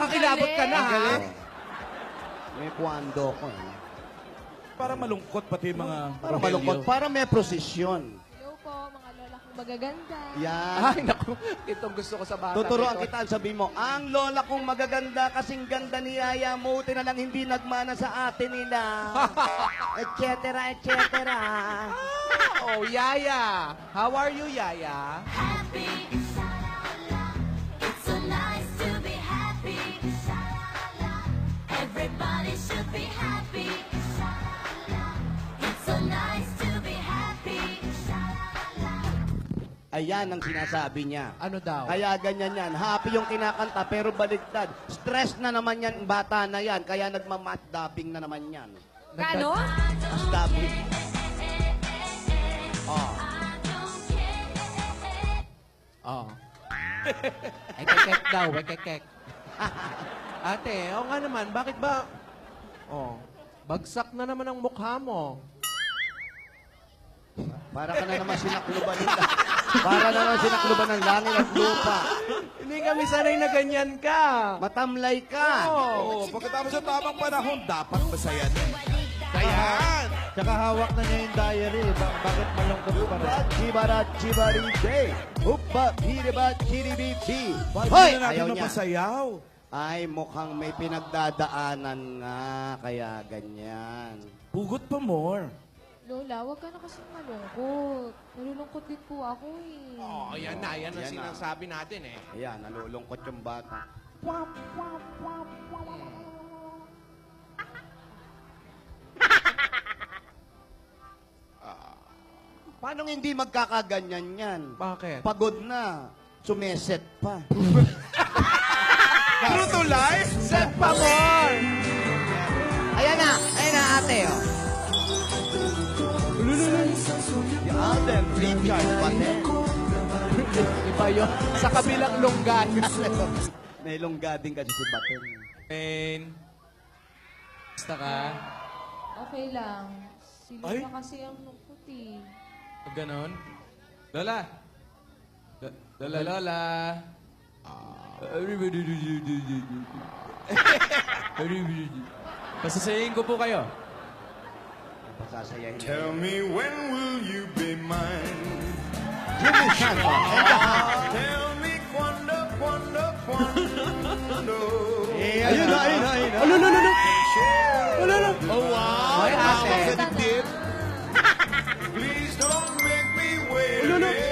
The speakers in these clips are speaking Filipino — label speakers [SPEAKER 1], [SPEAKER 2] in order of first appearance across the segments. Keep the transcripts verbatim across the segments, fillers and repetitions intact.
[SPEAKER 1] Nakakakilabot ka na, ha?
[SPEAKER 2] May kwando ko. Eh.
[SPEAKER 3] Para malungkot pati mga
[SPEAKER 2] Para
[SPEAKER 3] Rogelio.
[SPEAKER 2] malungkot. Para may prosesyon.
[SPEAKER 4] Hello po, mga lola kong magaganda.
[SPEAKER 2] Yan.
[SPEAKER 1] Ay, naku. Itong gusto ko sa bata.
[SPEAKER 2] Tuturuan
[SPEAKER 1] Ito.
[SPEAKER 2] kita, sabi mo, ang lola kong magaganda kasing ganda ni Yaya, muti na lang hindi nagmana sa atin nila. et cetera, et cetera.
[SPEAKER 1] Oh, Yaya. How are you, Yaya?
[SPEAKER 5] Happy, sha-la-la. It's so nice to be happy, sha-la-la. Everybody should be happy, sha-la-la. It's so nice to be happy, sha-la-la.
[SPEAKER 2] Ayan ang sinasabi niya.
[SPEAKER 1] Ano daw?
[SPEAKER 2] Kaya ganyan yan. Happy yung kinakanta, pero baligtad. Stress na naman yan, bata na yan. Kaya nagmamatdapping na naman yan.
[SPEAKER 4] Kano?
[SPEAKER 2] Matdapping. Oh.
[SPEAKER 1] Oh. Ay, kekek daw. Ay, kekek. Ate, oo nga naman. Bakit ba? Oh. Bagsak na naman ang mukha mo.
[SPEAKER 2] Para ka na naman sinakluban nila. Para na naman sinakluban ng langit at lupa.
[SPEAKER 1] Hindi kami sanay na ganyan ka.
[SPEAKER 2] Matamlay ka.
[SPEAKER 3] Oo, pagkatapos sa tamang panahon, dapat masaya na. Ayan!
[SPEAKER 6] Tsaka hawak na niya yung diary. Ba- bakit malungkot pa rin?
[SPEAKER 2] Upa, chibara, chibari, day. Upa, piriba, chiribibi.
[SPEAKER 3] Bakit
[SPEAKER 2] Hoy!
[SPEAKER 3] na natin
[SPEAKER 2] Ayaw niya.
[SPEAKER 3] mapasayaw?
[SPEAKER 2] Ay, mukhang may pinagdadaanan nga. Kaya ganyan.
[SPEAKER 3] Pugot pa more.
[SPEAKER 4] Lola, wag ka na kasing malungkot. Nalulungkot din po ako eh.
[SPEAKER 1] Oh, yan na. Yan ang
[SPEAKER 2] Yan na.
[SPEAKER 1] sinasabi natin eh.
[SPEAKER 2] Ayan, nalulungkot yung bata. Paano hindi magkakaganyan yan?
[SPEAKER 1] Bakit?
[SPEAKER 2] Pagod na. Sumeset pa.
[SPEAKER 3] True to life?
[SPEAKER 1] Set pa more!
[SPEAKER 2] Ayan na. Ayan na, ate. Oh. Si Alden Richard Paten.
[SPEAKER 1] Iba yun. Sa kabilang lunggan.
[SPEAKER 2] May lunggading kasi si Baten.
[SPEAKER 1] Pain. Basta ka?
[SPEAKER 4] Okay lang. Si
[SPEAKER 3] Ay?
[SPEAKER 4] Lola kasi ang lungkot eh.
[SPEAKER 1] Ganon? Lola. Lo- Lola, Lola. Pasasayin ko po kayo.
[SPEAKER 2] Pasasayahin.
[SPEAKER 7] Tell me when will you be mine?
[SPEAKER 2] Jimmy Santo. And the house.
[SPEAKER 7] Tell me quando, quando, quando.
[SPEAKER 2] Ayun na, ayun na, ayun na.
[SPEAKER 1] Ano, ano, ano?
[SPEAKER 7] Wala na.
[SPEAKER 3] Oh, wow!
[SPEAKER 1] Ay, ate.
[SPEAKER 3] Sa dibdib.
[SPEAKER 7] Please don't make me wait.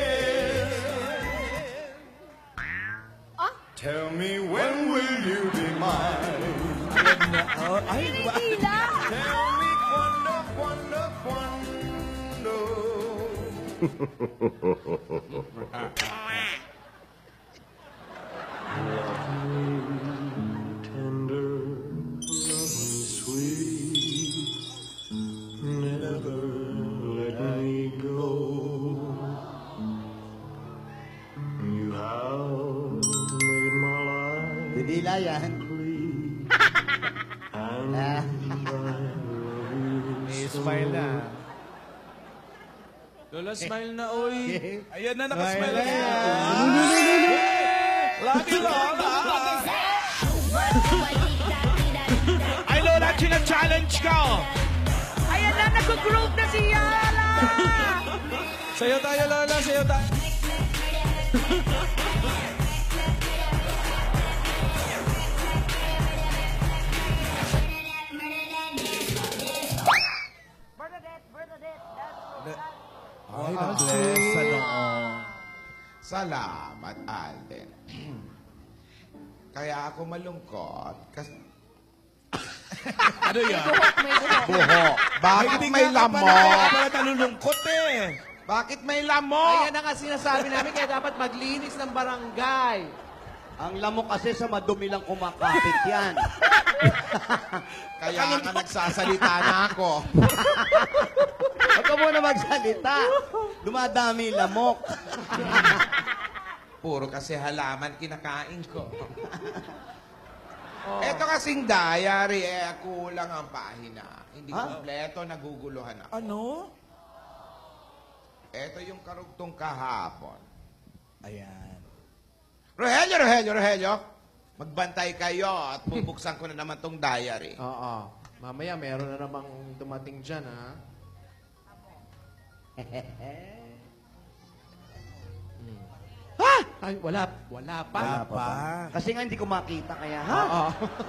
[SPEAKER 7] Tell me when will you be mine?
[SPEAKER 3] Oh, ay, ba?
[SPEAKER 7] Tell me quando, quando, quando. Tender, love me sweet, never let me go. You have made my life
[SPEAKER 2] Didila yan.
[SPEAKER 7] complete, and
[SPEAKER 2] Ah.
[SPEAKER 7] I love you
[SPEAKER 3] May
[SPEAKER 7] so.
[SPEAKER 3] smile na.
[SPEAKER 1] Lola, smile na, oy.
[SPEAKER 3] Ayan na, nakasmile na.
[SPEAKER 2] Ayan.
[SPEAKER 3] Lagi Lola! Ay, Lola, china-challenge ka, oh.
[SPEAKER 8] Ayan na, nag-groove na si Yala!
[SPEAKER 1] Sayo tayo, Lola. Sayo tayo.
[SPEAKER 3] Ay, na-bless sa noong.
[SPEAKER 9] Salamat, Alden. Kaya ako malungkot kasi
[SPEAKER 3] Ano yan?
[SPEAKER 4] Buhok, may buhok.
[SPEAKER 9] buho. Bakit
[SPEAKER 3] Hindi
[SPEAKER 9] may
[SPEAKER 3] nga ka pala-
[SPEAKER 9] lamok?
[SPEAKER 3] Kaya pala nalulungkot eh.
[SPEAKER 9] Bakit may lamok?
[SPEAKER 1] Ayan na nga sinasabi namin, kaya dapat maglinis ng barangay.
[SPEAKER 2] Ang lamok kasi sa madumi lang kumakapit yan.
[SPEAKER 9] Kaya ka nagsasalita na ako.
[SPEAKER 2] Huwag ka muna magsalita. Dumadami lamok.
[SPEAKER 9] Puro kasi halaman kinakain ko. Ito kasing diary, eh, kulang ang pahina. Hindi
[SPEAKER 2] Ha?
[SPEAKER 9] kompleto, naguguluhan ako.
[SPEAKER 3] Ano?
[SPEAKER 9] Ito yung karugtong kahapon.
[SPEAKER 3] Ayan.
[SPEAKER 9] Rogelio, Rogelio, Rogelio. Magbantay kayo at bubuksan ko na naman tong diary.
[SPEAKER 1] Oo. Mamaya, meron na namang dumating dyan, ha? Hmm. Ha? Ay, wala. Wala pa.
[SPEAKER 3] Wala pa.
[SPEAKER 2] Kasi nga hindi ko makita kaya, ha?
[SPEAKER 1] Oo.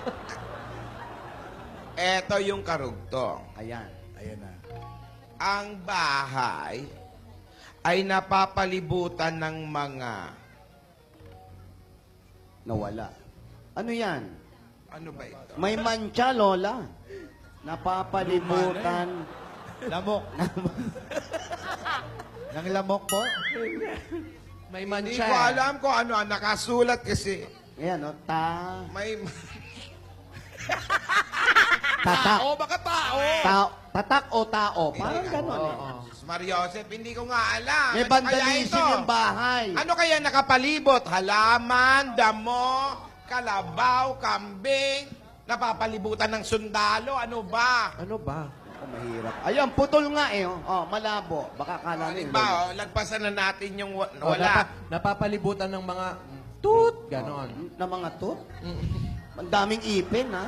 [SPEAKER 9] Eto yung karugtong.
[SPEAKER 2] Ayan.
[SPEAKER 3] Ayan na.
[SPEAKER 9] Ang bahay ay napapalibutan ng mga...
[SPEAKER 2] Nawala. Ano yan?
[SPEAKER 9] Ano ba ito?
[SPEAKER 2] May mancha, Lola. Napapalibutan.
[SPEAKER 6] Lamok. Nang lamok po?
[SPEAKER 1] May
[SPEAKER 9] Hindi
[SPEAKER 1] mancha.
[SPEAKER 9] ko
[SPEAKER 1] eh.
[SPEAKER 9] alam kung ano. Nakasulat kasi.
[SPEAKER 2] Ayan, o. Ta...
[SPEAKER 9] May...
[SPEAKER 2] Tatak.
[SPEAKER 3] Tao, baka tao.
[SPEAKER 2] Tao. Tatak o tao. Parang
[SPEAKER 9] Hindi,
[SPEAKER 2] gano'n. eh.
[SPEAKER 1] Oo.
[SPEAKER 9] Mariosep, hindi ko nga alam.
[SPEAKER 2] May
[SPEAKER 9] Ano kaya
[SPEAKER 2] vandalism
[SPEAKER 9] ito?
[SPEAKER 2] yung bahay.
[SPEAKER 9] Ano kaya nakapalibot? Halaman, damo, kalabaw, kambing, napapalibutan ng sundalo. Ano ba?
[SPEAKER 1] Ano ba?
[SPEAKER 2] Ako, mahirap. Ayun, putol nga eh. Oh, Oh, malabo. Baka kala nila.
[SPEAKER 9] Halimbawa, oh, lagpasan na natin yung wa-
[SPEAKER 1] Oh,
[SPEAKER 9] wala.
[SPEAKER 1] napa- napapalibutan ng mga toot. Ganon.
[SPEAKER 2] Na mga to? Ang daming ipin, ha?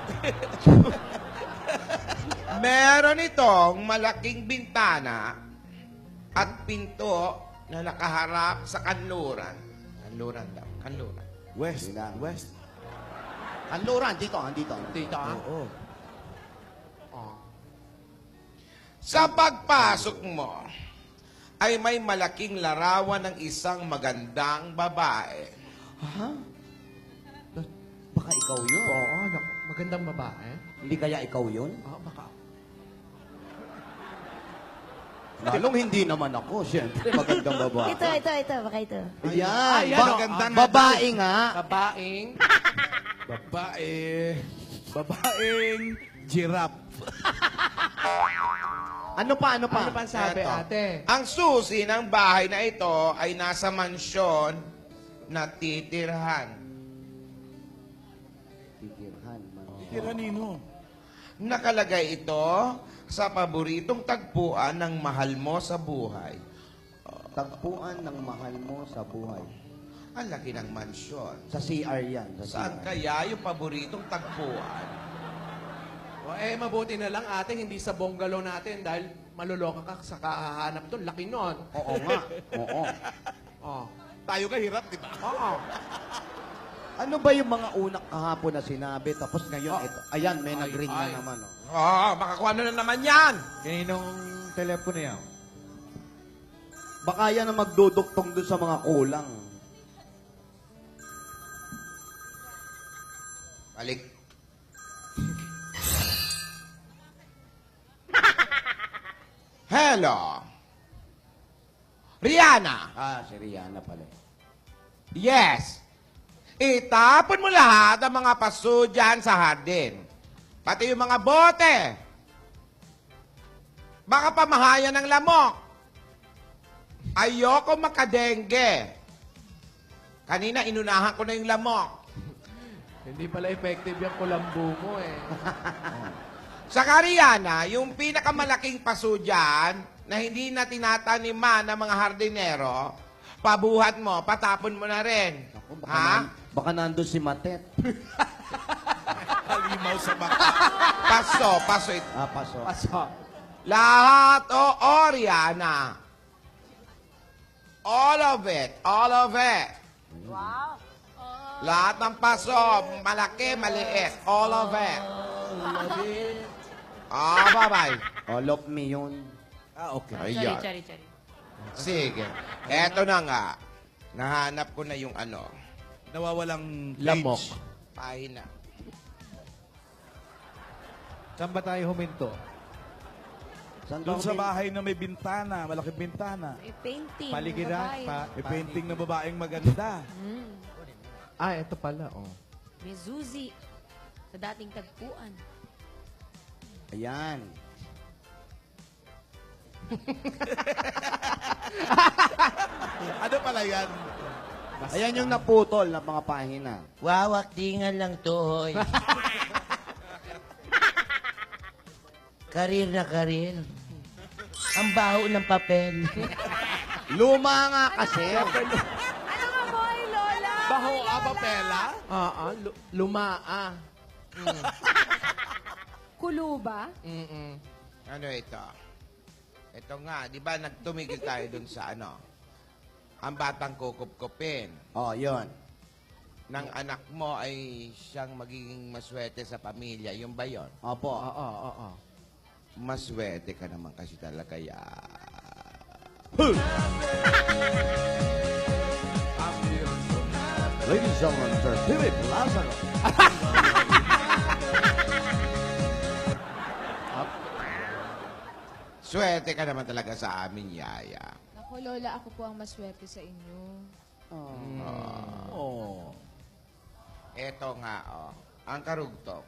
[SPEAKER 9] Meron itong malaking bintana at pinto na nakaharap sa kanluran. Kanluran daw. Kanluran.
[SPEAKER 3] West.
[SPEAKER 2] Hindi na.
[SPEAKER 3] West.
[SPEAKER 2] Kanluran, dito, ah, dito.
[SPEAKER 1] Tita, ha?
[SPEAKER 3] Oo.
[SPEAKER 1] Oh.
[SPEAKER 9] Sa pagpasok mo, ay may malaking larawan ng isang magandang babae.
[SPEAKER 2] Ha? Baka ikaw yun.
[SPEAKER 1] Oo, nak- magandang babae.
[SPEAKER 2] Hindi kaya ikaw yun?
[SPEAKER 1] Ah, baka.
[SPEAKER 2] Lalong hindi naman ako, siyempre. Magandang babae.
[SPEAKER 5] Ito, ito, ito. Baka ito.
[SPEAKER 2] Ayan.
[SPEAKER 1] Ayan,
[SPEAKER 2] Ba-
[SPEAKER 1] oh,
[SPEAKER 3] maganda nga
[SPEAKER 2] babae nga.
[SPEAKER 1] Babaeng.
[SPEAKER 3] Babae. Babaeng giraffe.
[SPEAKER 2] Ano pa, ano pa?
[SPEAKER 1] Ano pa ang sabi,
[SPEAKER 9] Eto.
[SPEAKER 1] ate?
[SPEAKER 9] Ang susi ng bahay na ito ay nasa mansyon na titirhan.
[SPEAKER 2] Titirhan, man.
[SPEAKER 3] Tira nino.
[SPEAKER 9] Nakalagay ito sa paboritong tagpuan ng mahal mo sa buhay.
[SPEAKER 2] Tagpuan ng mahal mo sa buhay.
[SPEAKER 9] Ang laki ng mansyon.
[SPEAKER 2] Sa C R yan. Sa
[SPEAKER 9] Saan
[SPEAKER 2] C R.
[SPEAKER 9] kaya yung paboritong tagpuan?
[SPEAKER 1] O, eh, mabuti na lang, ate, hindi sa bungalow natin dahil maluloka ka sa kahahanap doon. Laki nun.
[SPEAKER 2] Oo nga. Oo.
[SPEAKER 1] Oh.
[SPEAKER 3] Tayo ka hirap, di ba?
[SPEAKER 1] Oo.
[SPEAKER 2] Ano ba yung mga unang kahapon na sinabi? Tapos ngayon,
[SPEAKER 1] Oh.
[SPEAKER 2] ito. Ayan, may
[SPEAKER 1] Ay,
[SPEAKER 2] nag-ring
[SPEAKER 1] ay.
[SPEAKER 2] na naman. Oh.
[SPEAKER 9] Oo, makakuha na naman yan.
[SPEAKER 6] Kaninong telepono yan?
[SPEAKER 2] Baka yan ang magduduktong doon sa mga kulang.
[SPEAKER 9] Balik. Hello. Rihanna.
[SPEAKER 2] Ah, si Rihanna pala.
[SPEAKER 9] Yes. Itapon mo lahat ang mga paso dyan sa hardin. Pati yung mga bote. Baka pamahayan ng lamok. Ayoko makadengge. Kanina inunahan ko na yung lamok.
[SPEAKER 1] Hindi pala effective yung kulambu mo, eh.
[SPEAKER 9] Sa Kariana, yung pinakamalaking paso dyan, na hindi na tinataniman ng mga hardinero, pabuhat mo, patapon mo na rin.
[SPEAKER 2] Ako, baka,
[SPEAKER 9] Ha?
[SPEAKER 2] nan, baka nandun si Matet.
[SPEAKER 3] Halimaw sa baka.
[SPEAKER 9] Paso, paso ito.
[SPEAKER 2] Ah, paso.
[SPEAKER 1] Paso.
[SPEAKER 9] Lahat o Oriana. All of it. All of it.
[SPEAKER 5] Wow.
[SPEAKER 9] Lahat ng paso, malaki, maliit. All of it. Ah, bye-bye.
[SPEAKER 2] All of me yun.
[SPEAKER 3] Ah, okay.
[SPEAKER 9] Ayan.
[SPEAKER 8] Chari, chari.
[SPEAKER 9] Sige. Eto na nga. Nahanap ko na yung ano.
[SPEAKER 3] Nawawalang page.
[SPEAKER 1] Lamok.
[SPEAKER 9] Pahina.
[SPEAKER 6] Saan ba tayo huminto?
[SPEAKER 2] Saan
[SPEAKER 3] Doon
[SPEAKER 2] ba
[SPEAKER 3] sa
[SPEAKER 2] kami-
[SPEAKER 3] bahay na may bintana, malaking bintana.
[SPEAKER 8] May painting.
[SPEAKER 6] Paligiran?
[SPEAKER 8] babae.
[SPEAKER 6] Pa,
[SPEAKER 3] May painting na babaeng maganda.
[SPEAKER 8] Mm.
[SPEAKER 1] Ah, ito pala, oh.
[SPEAKER 8] May Zuzi. Sa dating tagpuan.
[SPEAKER 2] Ayan.
[SPEAKER 3] Ano pala yan?
[SPEAKER 2] Ayan yung naputol na mga pahina.
[SPEAKER 10] Wawak tingan lang to, hoy. Karir na karir. Ang baho ng papel.
[SPEAKER 2] Luma nga kasi.
[SPEAKER 8] Ano nga boy, Lola?
[SPEAKER 1] Baho, ah,
[SPEAKER 3] Papela?
[SPEAKER 1] Oo, lu- lumaa. Mm.
[SPEAKER 4] Kuluba?
[SPEAKER 1] Mm-mm.
[SPEAKER 9] Ano ito? Ito nga, di ba nagtumigil tayo dun sa ano? Ang batang kukup-kupin
[SPEAKER 2] Oh, yun.
[SPEAKER 9] ng anak mo ay siyang magiging maswerte sa pamilya. Yung ba yun?
[SPEAKER 2] Opo.
[SPEAKER 1] Oo, oo, oo.
[SPEAKER 9] Maswerte ka naman kasi talaga ya.
[SPEAKER 2] Ladies and gentlemen, Sir Philip Lazaro.
[SPEAKER 9] Swerte ka naman talaga sa amin, Yaya.
[SPEAKER 4] Naku, Lola, ako po ang maswerte sa inyo.
[SPEAKER 1] Oh.
[SPEAKER 9] Eto nga, oh. Ang karugtong.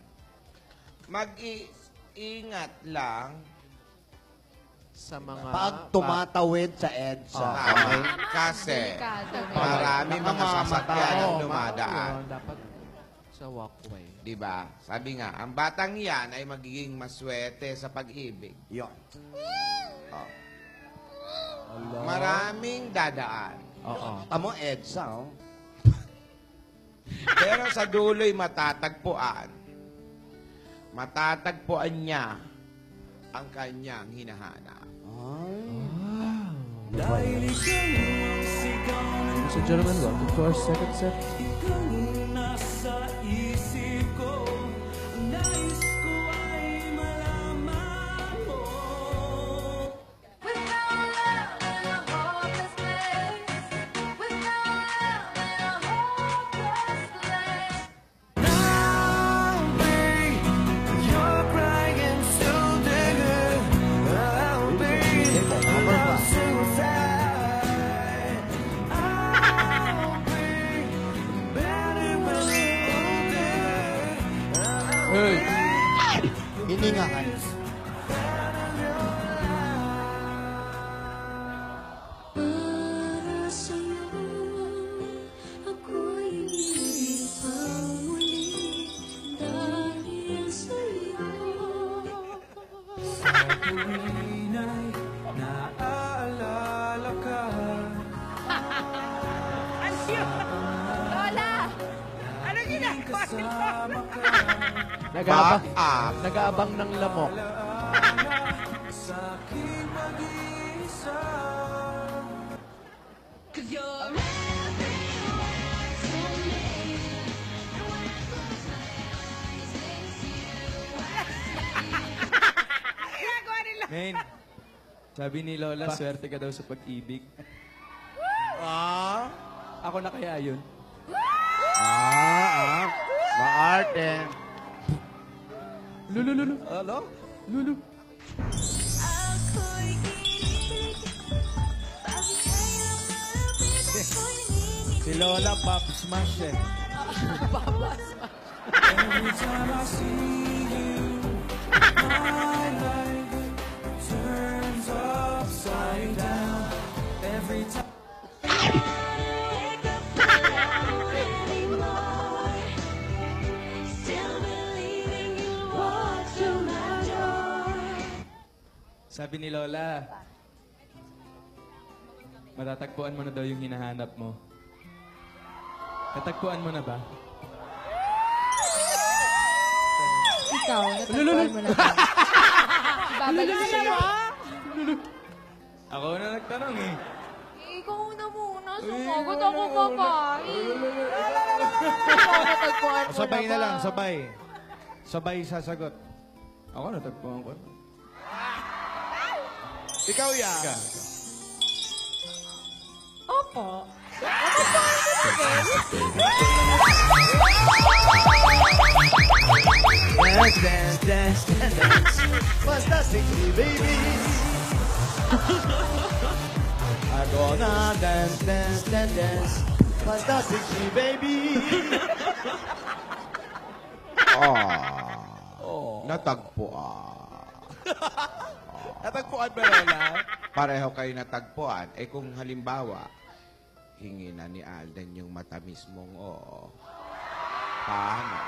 [SPEAKER 9] Mag-iingat lang
[SPEAKER 1] Sa mga...
[SPEAKER 2] Pag tumatawid sa EDSA.
[SPEAKER 9] sa
[SPEAKER 2] Okay?
[SPEAKER 9] kasi
[SPEAKER 4] Delikado. may-
[SPEAKER 9] marami mga
[SPEAKER 2] Nakamamatay.
[SPEAKER 9] sasakyan ang
[SPEAKER 1] Oo,
[SPEAKER 9] dumadaan.
[SPEAKER 1] ma- Dapat sa walkway.
[SPEAKER 9] Di ba? Sabi nga, ang batang yan ay magiging maswerte sa pag-ibig.
[SPEAKER 2] Yun.
[SPEAKER 9] Oh. Maraming dadaan.
[SPEAKER 1] Oo.
[SPEAKER 2] Tamo EDSA, oh.
[SPEAKER 9] Pero sa dulo'y matatagpuan. Matatagpuan niya ang kanyang hinahanap.
[SPEAKER 1] Ladies and gentlemen, welcome to our second set. Hey!
[SPEAKER 2] Hininga kayo.
[SPEAKER 5] Para sa'yo, ako'y pang muli dahil sa'yo.
[SPEAKER 8] Lola! Ano ginagawa niyo?
[SPEAKER 1] Nag-aabang,
[SPEAKER 9] Back up.
[SPEAKER 1] nag-aabang ng lamok.
[SPEAKER 6] Men, sabi ni Lola, swerte ka daw sa pag-ibig.
[SPEAKER 3] Ah?
[SPEAKER 6] Ako na kaya yun?
[SPEAKER 2] Ah, ah. Maarte.
[SPEAKER 1] Lulu, lulu.
[SPEAKER 3] Ano?
[SPEAKER 1] Lulu.
[SPEAKER 5] Ako'y ibig, bakit kailangan ako'y nangingin?
[SPEAKER 6] Si Lola, Pop Smash eh.
[SPEAKER 5] Still believing you'll walk through my door.
[SPEAKER 6] Sabi ni Lola, matatagpuan mo na daw yung hinahanap mo. Natagpuan mo na ba?
[SPEAKER 4] Ikaw, natagpuan mo na ba? Babalik sa'yo.
[SPEAKER 6] Ako na nagtanong eh.
[SPEAKER 4] Eh, ikaw na muna. Sumagot ako kakain. Ikaw, natagpuan mo
[SPEAKER 6] Sabay
[SPEAKER 4] na
[SPEAKER 6] na
[SPEAKER 4] ba?
[SPEAKER 6] lang, sabay. Sabay sasagot. Ako natagpuan ko.
[SPEAKER 3] Ikaw, ya.
[SPEAKER 4] Opo.
[SPEAKER 2] Dance, dance, dance, dance, dance. Fantastic, baby. I'm gonna dance, dance, dance, dance. Fantastic, baby.
[SPEAKER 9] Oh. Natagpuan.
[SPEAKER 3] Natagpuan ba, Lola?
[SPEAKER 9] Pareho kayo natagpuan. Eh kung halimbawa, hingi na ni Alden yung matamis mong oo. Paano?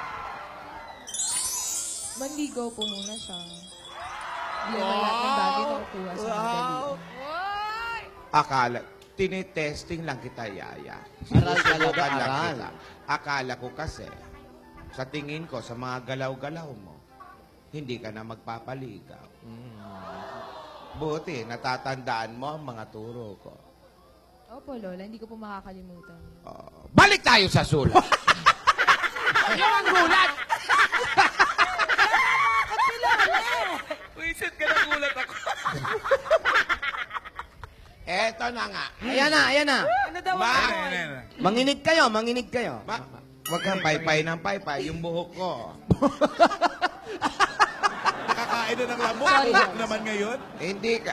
[SPEAKER 4] Manligaw po muna siya. Hindi naman lahat ng bagay nakukuha sa madali.
[SPEAKER 9] Akala, tinitesting lang kita, Yaya.
[SPEAKER 2] Aral ka lang,
[SPEAKER 9] Sinusubukan lang
[SPEAKER 2] aral.
[SPEAKER 9] kita. Akala ko kasi, sa tingin ko, sa mga galaw-galaw mo, hindi ka na magpapaligaw. Buti, natatandaan mo ang mga turo ko.
[SPEAKER 4] Opo, Lola. Hindi ko po makakalimutan.
[SPEAKER 9] Oh, balik tayo sa sulat. Yan ang gulat!
[SPEAKER 3] Wisit ka na gulat ako.
[SPEAKER 9] Eto na nga.
[SPEAKER 2] Ayan na, ayan na.
[SPEAKER 9] Ma,
[SPEAKER 2] Manginig kayo, manginig kayo.
[SPEAKER 9] ma, wag kang paypay ng paypay, yung buhok ko.
[SPEAKER 3] Nakakain na ng lamok. Buhok naman ngayon.
[SPEAKER 9] Hindi ka...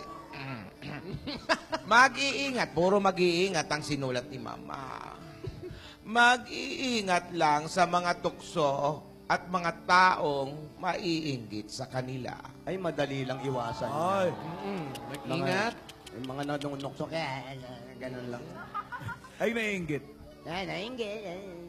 [SPEAKER 9] Mag-iingat. Puro mag-iingat ang sinulat ni Mama. Mag-iingat lang sa mga tukso at mga taong maiinggit sa kanila.
[SPEAKER 2] Ay, madali lang iwasan.
[SPEAKER 3] Ay.
[SPEAKER 1] Mag-ingat.
[SPEAKER 2] Yung mga nanunok-sok, eh, ganun lang.
[SPEAKER 3] Ay, naiinggit.
[SPEAKER 2] Ay, nainggit.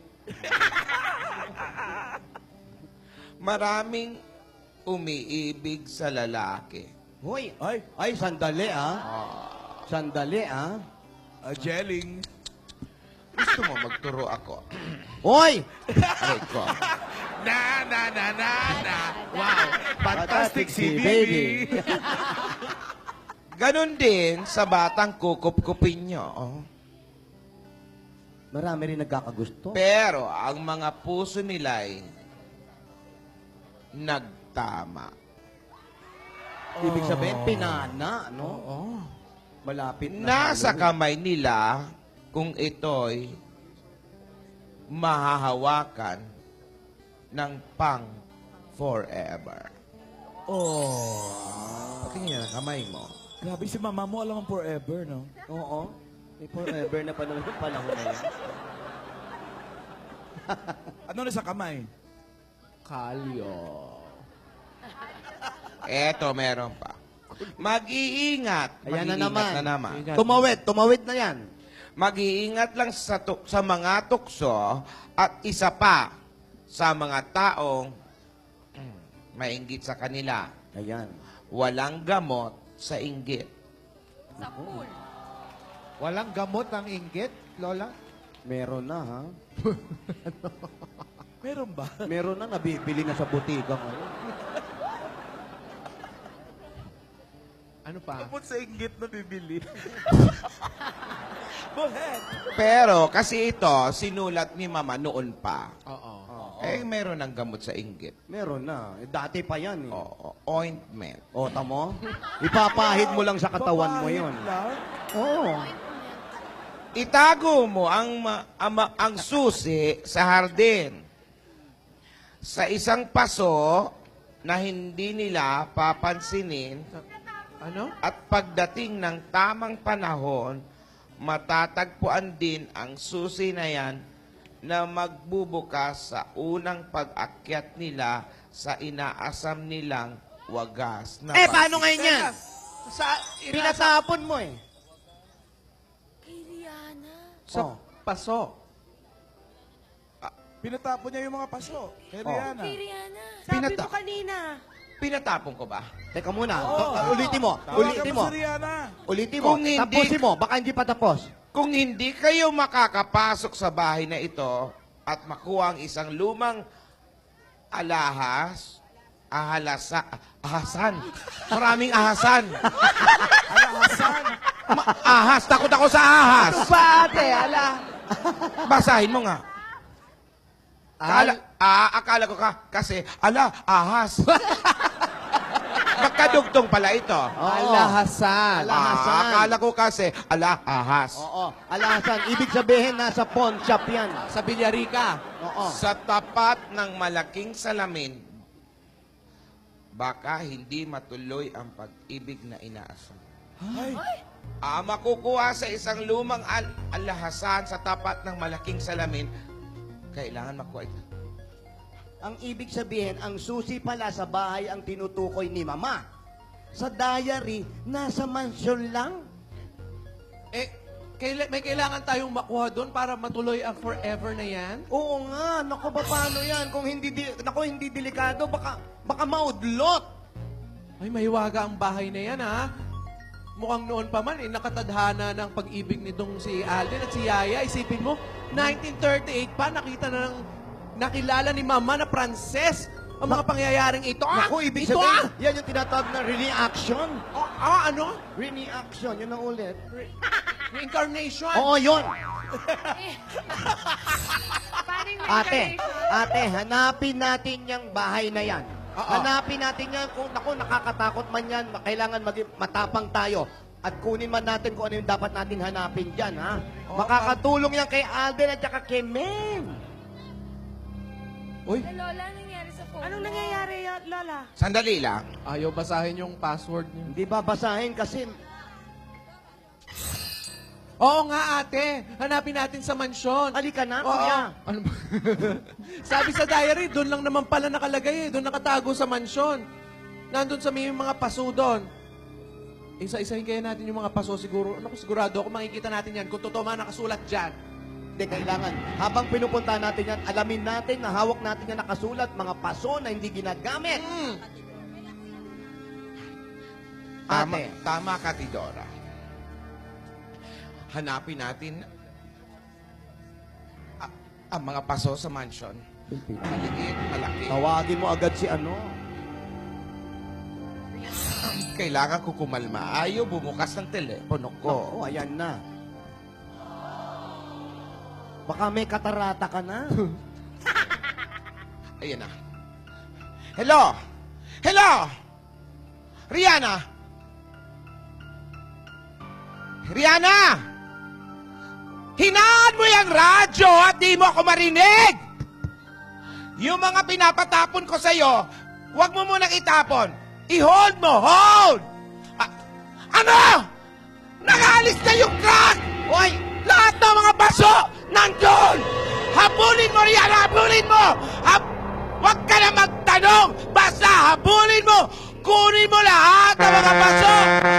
[SPEAKER 9] Maraming umiibig sa lalaki.
[SPEAKER 2] Hoy,
[SPEAKER 3] Ay.
[SPEAKER 2] ay, sandali ah. Sandali ah.
[SPEAKER 3] Uh, gelling.
[SPEAKER 9] Gusto mo magturo ako?
[SPEAKER 2] Hoy!
[SPEAKER 9] Aray ko.
[SPEAKER 3] Na, na, na, na, na. Wow. Fantastic si
[SPEAKER 2] si
[SPEAKER 3] baby.
[SPEAKER 9] Ganon din sa batang kukup-kupin nyo. oh.
[SPEAKER 2] Marami rin nagkakagusto.
[SPEAKER 9] Pero ang mga puso nila'y nagtama.
[SPEAKER 2] Ibig sabihin, pinana, no?
[SPEAKER 1] Oo.
[SPEAKER 2] Malapit na.
[SPEAKER 9] Nasa
[SPEAKER 2] Halloween.
[SPEAKER 9] kamay nila kung ito'y mahahawakan ng pang forever.
[SPEAKER 3] Oh.
[SPEAKER 9] Patingin ang kamay mo.
[SPEAKER 3] Grabe si mama mo, alam ang forever, no?
[SPEAKER 2] Oo. May forever na pa naman yung panahon na yan.
[SPEAKER 3] Ano na sa kamay?
[SPEAKER 1] Kalyo.
[SPEAKER 9] Eto, meron pa. Mag-iingat.
[SPEAKER 2] Ayan na
[SPEAKER 9] Mag-iingat
[SPEAKER 2] naman.
[SPEAKER 9] na naman.
[SPEAKER 1] Ingat.
[SPEAKER 2] Tumawid, tumawid na yan.
[SPEAKER 9] Mag-iingat lang sa, tuk- sa mga tukso at isa pa sa mga taong mm, mainggit sa kanila.
[SPEAKER 2] Ayan.
[SPEAKER 9] Walang gamot sa inggit.
[SPEAKER 4] Sa pool.
[SPEAKER 1] Walang gamot ang inggit, Lola?
[SPEAKER 2] Meron na, ha?
[SPEAKER 3] Meron ba?
[SPEAKER 2] Meron na, nabibili na sa butika ngayon.
[SPEAKER 1] Ano pa?
[SPEAKER 3] Kapot sa inggit na bibili. Buhet.
[SPEAKER 9] Pero kasi ito, sinulat ni Mama noon pa.
[SPEAKER 1] Oo.
[SPEAKER 9] Eh, meron ng gamot sa inggit.
[SPEAKER 2] Meron na. Eh, dati pa yan, eh.
[SPEAKER 9] Oo, ointment.
[SPEAKER 2] O, tamo? Ipapahid mo lang sa katawan mo
[SPEAKER 3] Papahid
[SPEAKER 2] yun.
[SPEAKER 3] lang?
[SPEAKER 2] Oo.
[SPEAKER 9] Itago mo ang, ma- ama- ang susi sa hardin. Sa isang paso na hindi nila papansinin
[SPEAKER 1] Ano?
[SPEAKER 9] at pagdating ng tamang panahon, matatagpuan din ang susi na yan na magbubukas sa unang pag-akyat nila sa inaasam nilang wagas na
[SPEAKER 2] Eh,
[SPEAKER 9] pag-
[SPEAKER 2] paano ngayon yan? Sa, pinatapon mo, eh.
[SPEAKER 8] Kay Rihanna.
[SPEAKER 1] Sa
[SPEAKER 2] Oh.
[SPEAKER 1] paso.
[SPEAKER 3] Pinatapon niya yung mga paso. Kay
[SPEAKER 9] Oh.
[SPEAKER 3] Rihanna.
[SPEAKER 8] Kay Rihanna.
[SPEAKER 9] Sabi Pinata- mo
[SPEAKER 8] kanina.
[SPEAKER 9] Pinatapon ko ba?
[SPEAKER 2] Teka muna.
[SPEAKER 3] Oo.
[SPEAKER 2] To- uh, ulitin mo.
[SPEAKER 3] Tawagan
[SPEAKER 2] Ulitin mo.
[SPEAKER 3] si Rihanna.
[SPEAKER 2] Ulitin mo.
[SPEAKER 9] Kung hindi-
[SPEAKER 2] Tapusin mo. Baka hindi pa tapos.
[SPEAKER 9] Kung hindi kayo makakapasok sa bahay na ito at makuha ang isang lumang alahas, ahalasa, ahasan. Maraming ahasan.
[SPEAKER 3] Alahasan.
[SPEAKER 9] Ma- ahas. Takot ako sa ahas.
[SPEAKER 2] Pa, ate, ala.
[SPEAKER 9] Basahin mo nga. Akala, ah, akala ko ka, kasi, ala, ahas. Magkadugtong pala ito.
[SPEAKER 1] Alahasan.
[SPEAKER 2] Alahasan.
[SPEAKER 9] Ah, akala ko kasi, ala, ahas.
[SPEAKER 2] Oo. Alasan. Ibig sabihin, nasa pawn shop yan.
[SPEAKER 1] Sa Villarica.
[SPEAKER 2] Oo.
[SPEAKER 9] Sa tapat ng malaking salamin, baka hindi matuloy ang pag-ibig na inaasam.
[SPEAKER 3] Ay.
[SPEAKER 9] Ah, makukuha sa isang lumang al- alahasan sa tapat ng malaking salamin, kailangan makuha ito.
[SPEAKER 2] Ang ibig sabihin, ang susi pala sa bahay ang tinutukoy ni Mama. Sa diary, nasa mansyon lang.
[SPEAKER 1] Eh, kaila- may kailangan tayong makuha doon para matuloy ang forever na yan?
[SPEAKER 2] Oo nga, naku ba paano yan? Kung hindi, di, naku, hindi delikado, baka, baka maudlot.
[SPEAKER 1] Ay, mahiwaga ang bahay na yan, ha? mukhang noon pa man, eh, nakatadhana ng pag-ibig nitong si Alden at si Yaya. Isipin mo, nineteen thirty-eight pa, nakita na ng, nakilala ni Mama na Pranses ang mga pangyayaring ito. Ah,
[SPEAKER 2] Naku, ibig
[SPEAKER 1] ito
[SPEAKER 2] sabihin,
[SPEAKER 1] ah!
[SPEAKER 2] yan yung tinatawag na reaction.
[SPEAKER 1] Oh, ah, ano?
[SPEAKER 2] Reaction, yun ang ulit.
[SPEAKER 1] Reincarnation.
[SPEAKER 2] Oo, yun.
[SPEAKER 4] Paano yung
[SPEAKER 2] Ate,
[SPEAKER 4] reincarnation?
[SPEAKER 2] ate, hanapin natin yung bahay na yan.
[SPEAKER 1] Oo.
[SPEAKER 2] Hanapin natin yan. Kung naku, nakakatakot man yan, kailangan maging matapang tayo. At kunin man natin kung ano yung dapat nating hanapin dyan, ha?
[SPEAKER 1] Oo,
[SPEAKER 2] Makakatulong yan kay Alden at saka kay Mem.
[SPEAKER 1] Uy,
[SPEAKER 4] Eh, Lola, anong nangyari sa phone
[SPEAKER 10] Anong
[SPEAKER 4] mo?
[SPEAKER 10] nangyayari, y- Lola?
[SPEAKER 9] Sandali lang.
[SPEAKER 1] ayaw basahin yung password niyo.
[SPEAKER 2] Hindi babasahin kasi
[SPEAKER 1] Oo nga, ate. Hanapin natin sa mansyon.
[SPEAKER 2] halika na,
[SPEAKER 1] Oo.
[SPEAKER 2] kuya.
[SPEAKER 1] Ano ba? Sabi sa diary, doon lang naman pala nakalagay eh. Doon nakatago sa mansyon. Nandun sa may mga paso doon. Isa-isahin kaya natin yung mga paso siguro. Ano, sigurado ako makikita natin yan kung totoo man nakasulat dyan.
[SPEAKER 2] Hindi, kailangan. Habang pinupunta natin yan, alamin natin na hawak natin yan nakasulat, mga paso na hindi ginagamit.
[SPEAKER 1] Mm.
[SPEAKER 9] Tama,
[SPEAKER 2] Ate.
[SPEAKER 9] tama ka, Tidora. Hanapin natin a- ang mga paso sa mansion. Maliit, malaki.
[SPEAKER 2] Tawagin mo agad si ano.
[SPEAKER 9] Kailangan ko kumalma. Ayaw bumukas ng telepono ko.
[SPEAKER 2] Oo, ayan na. Baka may katarata ka na.
[SPEAKER 9] Ayan na. Hello? Hello? Rihanna? Rihanna! Hinaan mo yung radyo at di mo ako marinig! Yung mga pinapatapon ko sa'yo, huwag mo munang itapon. I-hold mo! Hold! A- ano? Nakaalis na yung crack! Hoy! Lahat ng mga baso nandun! Habulin mo, Rihanna! Habulin mo! Hab Huwag ka na magtanong! Basta habulin mo! Kunin mo lahat ng mga baso